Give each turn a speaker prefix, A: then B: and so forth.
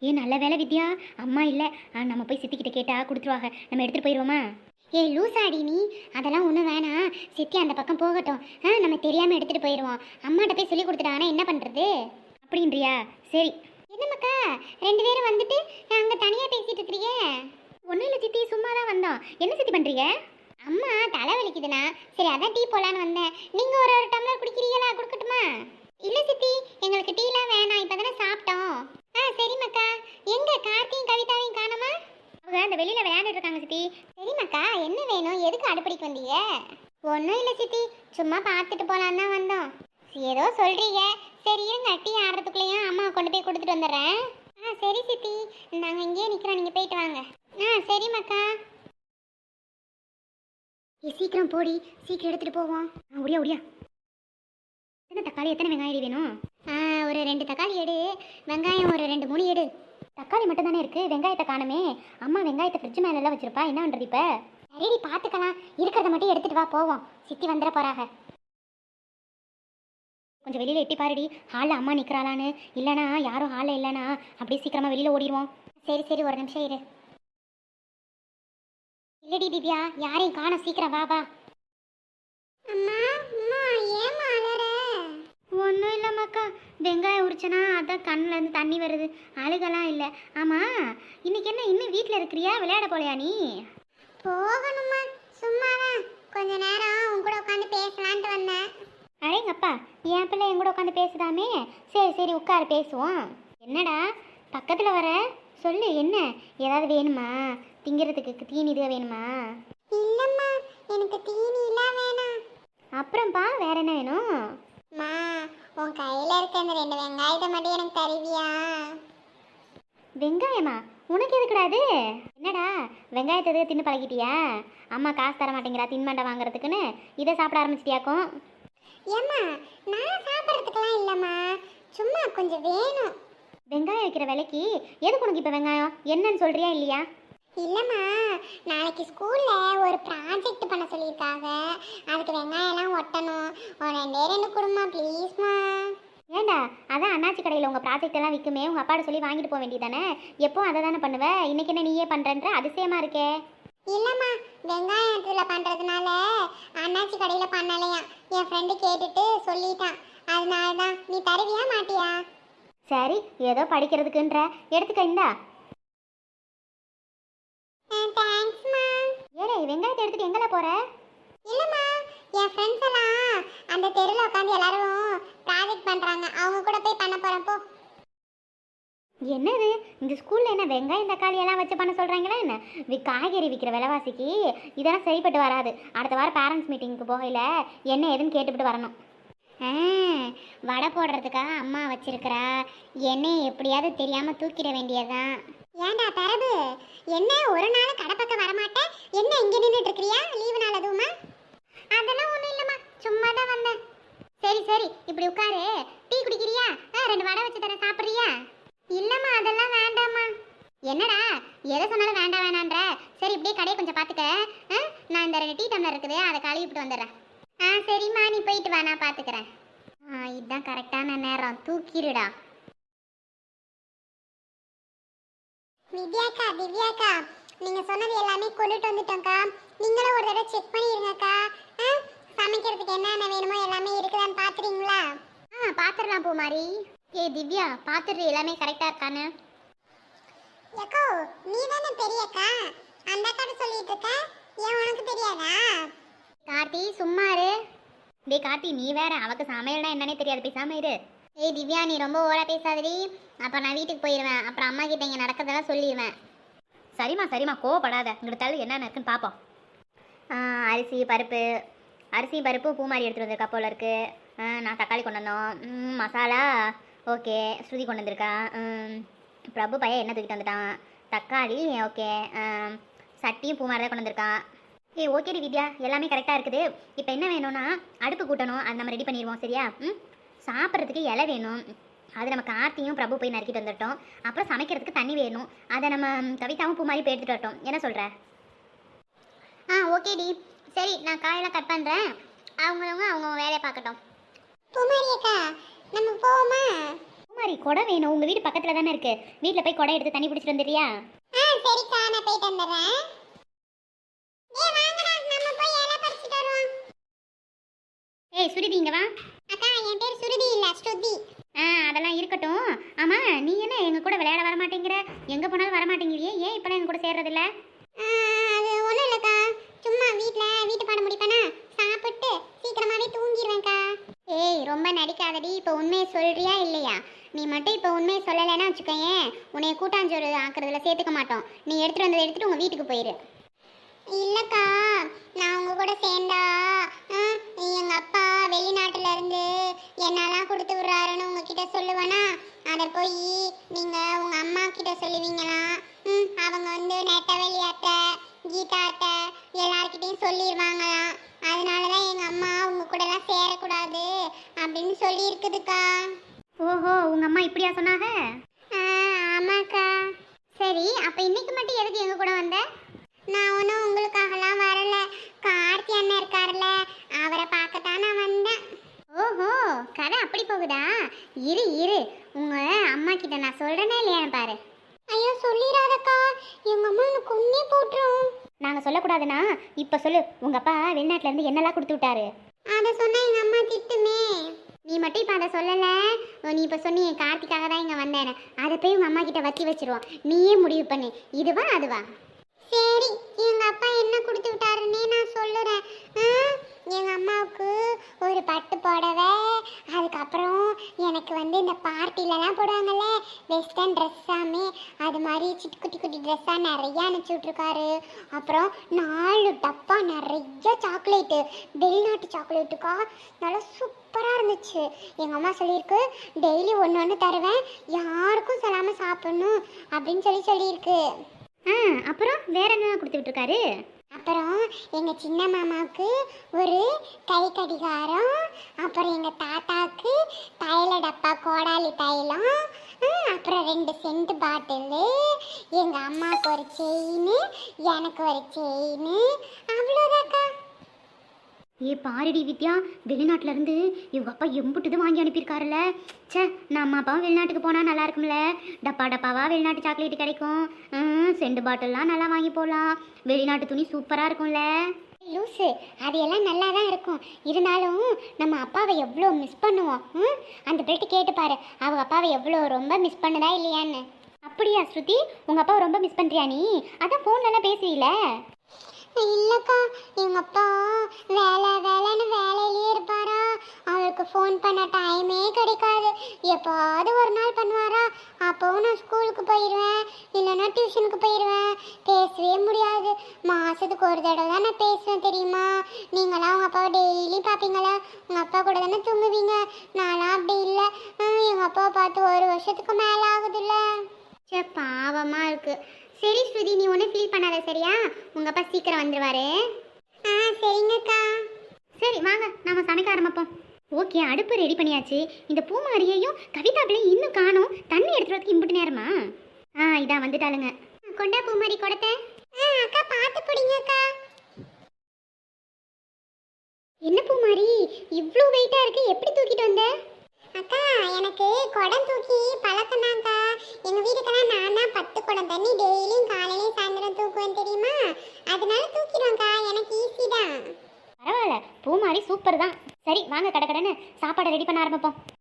A: நல்ல வேலை வித்யா, அம்மா இல்லை. நம்ம போய் சித்திக்கிட்ட கேட்டா கொடுத்துருவாங்க. நம்ம எடுத்துகிட்டு போயிடுவோமா? லூசாடி நீ, அதெல்லாம் ஒன்றும் வேணாம். சித்தி அந்த பக்கம் போகட்டும். நம்ம தெரியாமல் எடுத்துகிட்டு போயிடுவோம். அம்மாட்ட போய் சொல்லி கொடுத்துட்டாங்கன்னா என்ன பண்ணுறது அப்படின்றியா? சரி. என்னம்மாக்கா, 2 பேரும் வந்துட்டு அங்கே தனியாக பேசிகிட்டு இருக்கிறீங்க? ஒன்றும் இல்லை சித்தி, சும்மா தான் வந்தோம். என்ன சித்தி பண்ணுறீங்க? அம்மா தலை வலிக்குதுண்ணா, சரி அதான் டீ போலான்னு வந்தேன். நீங்கள் ஒரு டம்ளர் குடிக்கிறீங்களா? கொடுக்கட்டுமா? இல்லை சித்தி, எங்களுக்கு டீலாம் வேணாம், இப்போ தானே சாப்பிட்டோம். சரிம்மாக்கா. எங்க கார்த்தியும் கவிதாவையும் காணோமா? அவங்க அந்த வெளியில் விளையாண்டுட்டு இருக்காங்க சித்தி. சரிம்மாக்கா, என்ன வேணும்? எதுக்கு அடுப்படிக்கு வந்தீங்க? ஒன்றும் இல்லை சித்தி, சும்மா பார்த்துட்டு போகலான்னு தான் வந்தோம். ஏதோ சொல்கிறீங்க, சரி இருங்க, டீ ஆடுறதுக்குள்ளேயும் அம்மா கொண்டு போய் கொடுத்துட்டு வந்துடுறேன். சரி சித்தி, நாங்கள் இங்கேயே நிற்கிறோம், நீங்கள் போயிட்டு வாங்க. சரிம்மாக்கா. சீக்கிரம் போடி, சீக்கிரம் எடுத்துகிட்டு போவோம். ஒடியா ஒடியா. எத்தனை தக்காளி, எத்தனை வெங்காயம் வேணும்? ஒரு 2 தக்காளி எடு, வெங்காயம் ஒரு 2-3 எடு. தக்காளி மட்டும் தானே இருக்குது, வெங்காயத்தை காணுமே. அம்மா வெங்காயத்தை ஃப்ரிட்ஜ் மேலெல்லாம் வச்சுருப்பா, என்ன பண்ணுறது இப்போ? ரெடி, பார்த்துக்கலாம். இருக்கிறத மட்டும் எடுத்துகிட்டு வா, போவோம். சித்தி வந்துட போகிறாங்க. கொஞ்சம் வெளியில் எட்டி பாருடி, ஹாலில் அம்மா நிற்கிறாளான்னு. இல்லைனா யாரும் ஹாலில் இல்லைனா அப்படியே சீக்கிரமாக வெளியில் ஓடிடுவோம். சரி சரி, ஒரு நிமிஷம் இரு. இல்லடி திவ்யா, யாரையும் காணோம், சீக்கிரம் வா வா. அம்மா அம்மா, ஏமா அலற? ஒன்றும் இல்லைம்மாக்கா, வெங்காயம் உரிச்சனா அதான் கண்ணிலேருந்து தண்ணி வருது, அழுகலாம் இல்லை. ஆமாம், இன்னைக்கு என்ன இன்னும் வீட்டில் இருக்கிறியா? விளையாட போலையா நீ? போகணுமா, சும்மாதான் கொஞ்ச நேரம் உன் கூட உட்காந்து பேசலான்ட்டு வந்தேன். அடேங்கப்பா, என் பிள்ளை என் கூட உட்காந்து பேசுதாமே. சரி சரி, உட்காரு பேசுவோம். என்னடா பக்கத்தில் வர, சொல்லு என்ன ஏதாவது வேணுமா? திங்கிறதுக்கு தீனி இதுவே வேணுமா? இல்லைம்மா, எனக்கு தீனிலாம் வேணாம். அப்புறம்ப்பா வேற என்ன வேணும்? மா, உன் கையில் இருக்க அந்த 2 வெங்காயத்தை மட்டும் எனக்கு தருவியா? வெங்காயமா? உனக்கு எதுக்குடாது? என்னடா வெங்காயத்தை எதுக்கு தின்னு பழகிட்டியா? அம்மா காசு தர மாட்டேங்கிறா தின்மண்டை வாங்குறதுக்குன்னு இதை சாப்பிட ஆரம்பிச்சிட்டியாக்கும்? ஏம்மா, நான் சாப்பிட்றதுக்கெல்லாம் இல்லைம்மா, சும்மா கொஞ்சம் வேணும். வெங்காயம் வைக்கிற விலைக்கு எதுக்கு உனக்கு இப்போ வெங்காயம்? என்னன்னு சொல்கிறியா இல்லையா? இல்லைம்மா, நாளைக்கு ஸ்கூலில் ஒரு ப்ராஜெக்ட் பண்ண சொல்லியிருக்காங்க, அதுக்கு வெங்காயம்லாம் ஒட்டணும். ஒரு 2 கொடுமா ப்ளீஸ்மா. ஏண்டா, அதான் அண்ணாச்சி கடையில் உங்கள் ப்ராஜெக்ட் எல்லாம் விற்குமே, உங்கள் அப்பாட்ட சொல்லி வாங்கிட்டு போக வேண்டியதானே? எப்போ அதை தானே பண்ணுவேன், இன்றைக்கி என்ன நீயே பண்ணுறன்ற அதிசயமாக இருக்கே. இல்லைம்மா, வெங்காயத்தில் பண்ணுறதுனால அண்ணாச்சி கடையில் பண்ணலையா, என் ஃப்ரெண்டு கேட்டுட்டு சொல்லிட்டான், அதனால தான். நீ தருவியா மாட்டியா? சரி, ஏதோ படிக்கிறதுக்குன்ற எடுத்துக்க, இந்தா. தேங்க்ஸ்மா. ஏலே, வெங்காயத்தை எடுத்துட்டு எங்கல போற? இல்லம்மா, என் ஃப்ரெண்ட்ஸ் எல்லாம் அந்த தெருவில் உட்காந்து எல்லாரும் ப்ராஜெக்ட் பண்றாங்க, அவங்க கூட போய் பண்ண போறேன். போ. என்னது இந்த ஸ்கூல்ல என்ன வெங்காயம் தக்காளி எல்லாம் வச்சு பண்ண சொல்றாங்களா என்ன? காய்கறி விற்கிற விலைவாசிக்கு இதெல்லாம் சரிப்பட்டு வராது. அடுத்த வாரம் பேரண்ட்ஸ் மீட்டிங்க்கு போகையில என்ன ஏதுன்னு கேட்டுவிட்டு வரணும். வடை போடுறதுக்காக அம்மா வச்சிருக்கிறா, எண்ணெய் எப்படியாவது தெரியாம தூக்கிட வேண்டியதுதான். ஏண்டா தரது, என்ன ஒரு நாள் கடை பக்கம் வரமாட்டேன், என்ன இங்கே நின்றுட்டு இருக்கிறியா? லீவு நாள் அதுவுமா? அதெல்லாம் ஒன்றும் இல்லைம்மா, சும்மா தான் வந்தேன். சரி சரி, இப்படி உட்காரு. டீ குடிக்கிறியா? 2 வடை வச்சு தரேன், சாப்பிட்றியா? இல்லைம்மா, அதெல்லாம் வேண்டாம்மா. என்னடா எதை சொன்னாலும் வேண்டாம் வேணான்ற? சரி, இப்படியே கடையை கொஞ்சம் பார்த்துக்க. நான் இந்த 2 டீ டம்ளர் இருக்குது, அதை கழுவிட்டு வந்துடுறேன். சரிம்மா, நீ போயிட்டு வா, நான் பார்த்துக்கிறேன். இதுதான் கரெக்டான நேரம், தூக்கிடுடா. வித்யாக்கா, திவ்யாக்கா, நீங்க சொன்னது எல்லாமே கொண்டுட்டு வந்துட்டோம்க்கா. நீங்களும் ஒரு தடவை செக் பண்ணிருங்கக்கா. சமைக்கிறதுக்கு என்னென்ன வேணுமோ எல்லாமே இருக்குதான்னு பாத்துறீங்களா? பாத்துடலாம் பூமாரி. திவ்யா, பாத்துட்டு எல்லாமே கரெக்டா இருக்கானு? ஏக்கோ, நீ தானே பெரியக்கா, அந்த அக்கா சொல்லிட்டு இருக்க, ஏன் உனக்கு தெரியாதா? கார்த்தி சும்மா இரு. டேய் கார்த்தி, நீ வேற, அவக்கு சமையல்னா என்னன்னே தெரியாது, பேசாம இரு. திவ்யா, நீ ரொம்ப ஓவரா பேசாதடி, அப்புறம் நான் வீட்டுக்கு போயிடுவேன், அப்புறம் அம்மா கிட்ட இங்கே நடக்கிறதெல்லாம் சொல்லிடுவேன். சரிம்மா சரிம்மா, கோவப்படாத, இங்கிட்ட தள்ளு என்னென்ன இருக்குன்னு பார்ப்போம். அரிசி பருப்பு பூமாரி எடுத்துகிட்டு வந்திருக்கா போல இருக்கு. நான் தக்காளி கொண்டு வந்தோம். மசாலா ஓகே, ஸ்ருதி கொண்டு வந்திருக்கா. பிரபு பையன் என்ன தூக்கிட்டு வந்துட்டான். தக்காளி ஓகே, சட்டியும் பூமாரி தான் கொண்டு வந்திருக்கான். ஓகேடி வித்யா, எல்லாமே கரெக்டாக இருக்குது. இப்போ என்ன வேணும்னா அடுப்பு கூட்டணும், அது நம்ம ரெடி பண்ணிடுவோம். சரியா? சாப்பிட்றதுக்கு இலை வேணும், அது நம்ம கார்த்தியும் பிரபு போய் நறுக்கிட்டு வந்துட்டோம். அப்புறம் சமைக்கிறதுக்கு தண்ணி வேணும், அதை நம்ம கவிதாவும் பூ மாதிரி போய் எடுத்துகிட்டு வரட்டும். என்ன சொல்கிற? ஓகேடி, சரி, நான் காயெல்லாம் கட் பண்ணுறேன், அவங்கவுங்க வேலையை பார்க்கட்டும். பூமாரி அக்கா, நம்ம போவோமா? பூமாரி
B: குடம் வேணும். உங்கள் வீடு பக்கத்தில் தானே இருக்குது. வீட்டில் போய் குடம் எடுத்து தண்ணி பிடிச்சிட்டு வந்துடுறியா?
A: சரிக்கா, நான் போயிட்டு வந்துடுறேன். நம்ம போய் இலை பறிச்சுட்டு வருவோம்.
B: ஏய் சுருதி, இங்கே வா.
A: அக்கா, என் பேர் சுருதி இல்ல, ஸ்ருதி.
B: அதெல்லாம் இருக்கட்டும். ஆமாம், நீ என்ன எங்கள் கூட விளையாட வர மாட்டேங்கிற? எங்கே போனாலும் வர மாட்டேங்கிறியே, ஏன் இப்போலாம் எங்கள் கூட சேர்றதில்ல?
A: அது ஒன்றும் இல்லைக்கா, சும்மா வீட்டு பாடம் முடிப்பேனா, சாப்பிட்டு சீக்கிரமாகவே தூங்கிடுவேன்க்கா.
B: ஏய் ரொம்ப நடிக்காதடி. இப்போ உண்மையை சொல்கிறியா இல்லையா? நீ மட்டும் இப்போ உண்மையை சொல்லலைன்னா வச்சுக்கோயேன், உன்னைய கூட்டாஞ்சோறு ஆக்குறதுல சேர்த்துக்க மாட்டோம். நீ எடுத்துகிட்டு வந்ததை எடுத்துகிட்டு உங்கள் வீட்டுக்கு போயிடு.
A: இல்லைக்கா, நான் உங்க கூட சேர்ந்தா எங்கள் அப்பா வெளிநாட்டுல இருந்து என்னெல்லாம் கொடுத்து விட்றாருன்னு உங்ககிட்ட சொல்லுவேனா, அதை போய் நீங்கள் உங்கள் அம்மா கிட்ட சொல்லுவீங்களா? அவங்க வந்து நெட்டவெளி அத்தை, கீதா அத்தை எல்லார்கிட்டையும் சொல்லிடுவாங்களாம். அதனால தான் எங்கள் அம்மா உங்கள் கூடலாம் சேரக்கூடாது அப்படின்னு சொல்லியிருக்குதுக்கா.
B: ஓஹோ, உங்கள் அம்மா இப்படியா சொன்னாங்க?
A: ஆமாக்கா.
B: சரி, அப்போ இன்னைக்கு மட்டும் எதுக்கு எங்கள் கூட வந்த?
A: நான் ஒன்றும் உங்களுக்காகலாம் வரல, கார்த்தி அண்ணன் இருக்காருல்ல, அவரை பார்க்கத்தான் நான் வந்தேன்.
B: ஓஹோ, கதை அப்படி போகுதா? இரு இரு, உங்கள் அம்மா கிட்ட நான் சொல்கிறேனே இல்லையான்னு பாரு.
A: ஐயோ சொல்லிடாதக்கா, எங்கள் அம்மா எனக்கு கொன்னே போட்டுரும்.
B: நாங்கள் சொல்லக்கூடாதுன்னா இப்போ சொல்லு. உங்கள் அப்பா வெளிநாட்டிலேருந்து என்னெல்லாம் கொடுத்து விட்டாரு?
A: அதை சொன்னால் எங்கள் அம்மா திட்டுமே.
B: நீ மட்டும் இப்போ அதை சொல்லலை. நீ இப்போ சொன்னி கார்த்திக்காக தான் இங்கே வந்தேன். அதை போய் உங்கள் அம்மா கிட்ட வச்சு வச்சிருவோம். நீயே முடிவு பண்ணு, இதுவா அதுவா?
A: சரி, எங்கள் அப்பா என்ன கொடுத்து விட்டாருன்னே நான் சொல்லுறேன். எங்கள் அம்மாவுக்கு ஒரு பட்டு புடவை, அதுக்கப்புறம் எனக்கு வந்து இந்த பார்ட்டிலலாம் போடுவாங்கல்ல வெஸ்டர்ன் ட்ரெஸ்ஸாமே, அது மாதிரி குட்டி குட்டி ட்ரெஸ்ஸாக நிறையா அனுப்பிச்சி விட்ருக்காரு. அப்புறம் 4 டப்பா நிறைய சாக்லேட்டு, வெளிநாட்டு சாக்லேட்டுக்கா, நல்லா சூப்பராக இருந்துச்சு. எங்கள் அம்மா சொல்லியிருக்கு, டெய்லி ஒன்று ஒன்று தருவேன், யாருக்கும் சொல்லாமல் சாப்பிட்ணும் அப்படின்னு சொல்லியிருக்கு.
B: அப்புறம் வேற என்ன கொடுத்து விட்டுருக்காரு?
A: அப்புறம் எங்கள் சின்ன மாமாவுக்கு ஒரு கை கடிகாரம், அப்புறம் எங்கள் தாத்தாவுக்கு தைல டப்பா கோடாலி தைலம், அப்புறம் 2 சென்ட் பாட்டிலு, எங்கள் அம்மாவுக்கு ஒரு செயின், எனக்கு ஒரு செயின், அவ்வளோதாக்கா.
B: பாருடி வித்யா, வெளிநாட்டிலேருந்து இவங்க அப்பா எம்புட்டுது வாங்கி அனுப்பியிருக்காருல்ல. சே, நம்ம அப்பாவும் வெளிநாட்டுக்கு போனால் நல்லா இருக்கும்ல. டப்பா டப்பாவாக வெளிநாட்டு சாக்லேட்டு கிடைக்கும். செண்டு பாட்டில்லாம் நல்லா வாங்கி போகலாம். வெளிநாட்டு துணி சூப்பராக இருக்கும்ல.
A: லூஸு, அது எல்லாம் நல்லா தான் இருக்கும். இருந்தாலும் நம்ம அப்பாவை எவ்வளோ மிஸ் பண்ணுவோம். அந்த பிள்ளைட்டு கேட்டுப்பாரு, அவங்க அப்பாவை எவ்வளோ ரொம்ப மிஸ் பண்ணுதா இல்லையான்னு.
B: அப்படியா ஸ்ருதி, உங்கள் அப்பாவை ரொம்ப மிஸ் பண்ணுறியா நீ? அதான் ஃபோன்லலாம் பேசுவீல.
A: இல்லைக்கா, எங்கள் அப்பா வேலைன்னு வேலையிலே இருப்பாரா, அவருக்கு ஃபோன் பண்ண டைமே கிடைக்காது. எப்போது ஒரு நாள் பண்ணுவாரா, அப்போவும் நான் ஸ்கூலுக்கு போயிடுவேன், இல்லைன்னா டியூஷனுக்கு போயிடுவேன். பேசவே முடியாது. மாதத்துக்கு ஒரு தடவை தான் நான் பேசுவேன் தெரியுமா. நீங்களாம் உங்கள் அப்பாவை டெய்லி பார்ப்பீங்களா? உங்கள் அப்பா கூட தானே தூங்குவீங்க. நான்லாம் அப்படி இல்லை. எங்கள் அப்பாவை பார்த்து 1 வருஷத்துக்கு மேலே ஆகுதுல்ல.
B: சே, பாவமாக இருக்குது. சரி ஸ்ருதி, நீ ஒன்றும் ஃபீல் பண்ணாத சரியா? உங்கள் அப்பா சீக்கிரம் வந்துடுவார்.
A: சரிங்கக்கா.
B: சரி வாங்க, நம்ம சமைக்க ஆரம்பிப்போம். ஓகே, அடுப்பு ரெடி பண்ணியாச்சு. இந்த பூமாரியையும் கவிதாக்களையும் இன்னும் காணோம். தண்ணி எடுத்துறதுக்கு இம்புட்டு நேரமா? இதான் வந்துட்டாளுங்க.
A: கொண்டா பூமாரி கொடுத்த. அக்கா பார்த்து பிடிங்கக்கா.
B: என்ன பூமாரி, இவ்வளோ வெயிட்டாக இருக்குது, எப்படி தூக்கிட்டு வந்த?
A: அக்கா, எனக்கு குடம் தூக்கி பழக்கம்தான்க்கா. எங்கள் வீட்டுக்கெல்லாம் நான் தான் 10 குடம் தண்ணி டெய்லியும் காலையிலையும் சாயந்தரம் தூக்குவேன் தெரியுமா. அதனால தூக்கிடுவேன்க்கா, எனக்கு ஈஸி தான்.
B: பரவாயில்ல, பூமாரி சூப்பர் தான். சரி வாங்க, கடை கடைன்னு சாப்பாடை ரெடி பண்ண ஆரம்பிப்போம்.